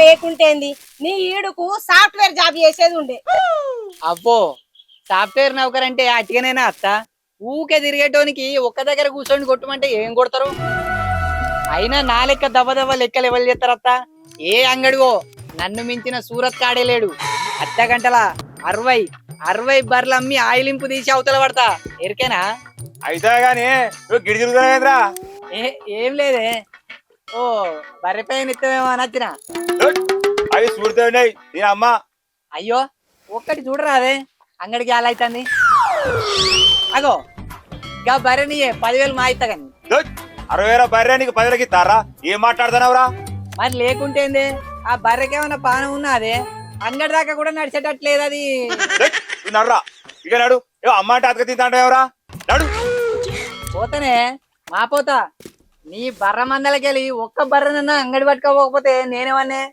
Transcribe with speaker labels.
Speaker 1: లేకుంటేంది నీ ఈడుకు software job చేసేది ఉండే.
Speaker 2: అబ్బో సాఫ్ట్వేర్ నౌకర్ అంటే అట్టిగానేనా అత్త? ఊకే తిరిగేటోనికి ఒక్క దగ్గర కూర్చొని కొట్టమంటే ఏం కొడతారు? అయినా నా లెక్క దవ్వ దవ్వ లెక్కలు ఎవరు చేస్తారు అత్త? ఏ అంగడిగో నన్ను మించిన సూరత్ కాడే లేడు. అర్ధ గంటల 60 బర్రెలు అమ్మి ఆయిలింపు తీసి అవతల పడతా. ఎరికేనా?
Speaker 3: అయితే గాని నువ్వు గిడి తిరుగుతున్నావేంద్రా?
Speaker 2: ఏం లేదే. ఓ బర్రె పైన ఇస్తామేమో అని వచ్చిన.
Speaker 3: అవి చూడుతూ ఉన్నాయి నేను అమ్మ.
Speaker 2: అయ్యో ఒక్కటి చూడరాదే, అంగడికి అలా అవుతుంది. అగో ఇక బర్రెని 10,000 మా ఇస్తా కానీ.
Speaker 3: 60,000 బర్రె నీకు 10,000కి ఇస్తారా? ఏం మాట్లాడుతున్నావురా?
Speaker 2: మరి లేకుంటేంది, ఆ బర్రెకేమన్నా పానం ఉన్నదే? అంగడి దాకా కూడా నడిచేటట్లేదు అది.
Speaker 3: నడురా ఇక నడు. అమ్మ అంటే అతక తింటాంటావురా? నడు.
Speaker 2: పోతానే మా పోతా. నీ బర్ర మందలకెళ్ళి ఒక్క బర్రెనన్నా అంగడి పట్టుకోకపోతే నేనేమన్నే?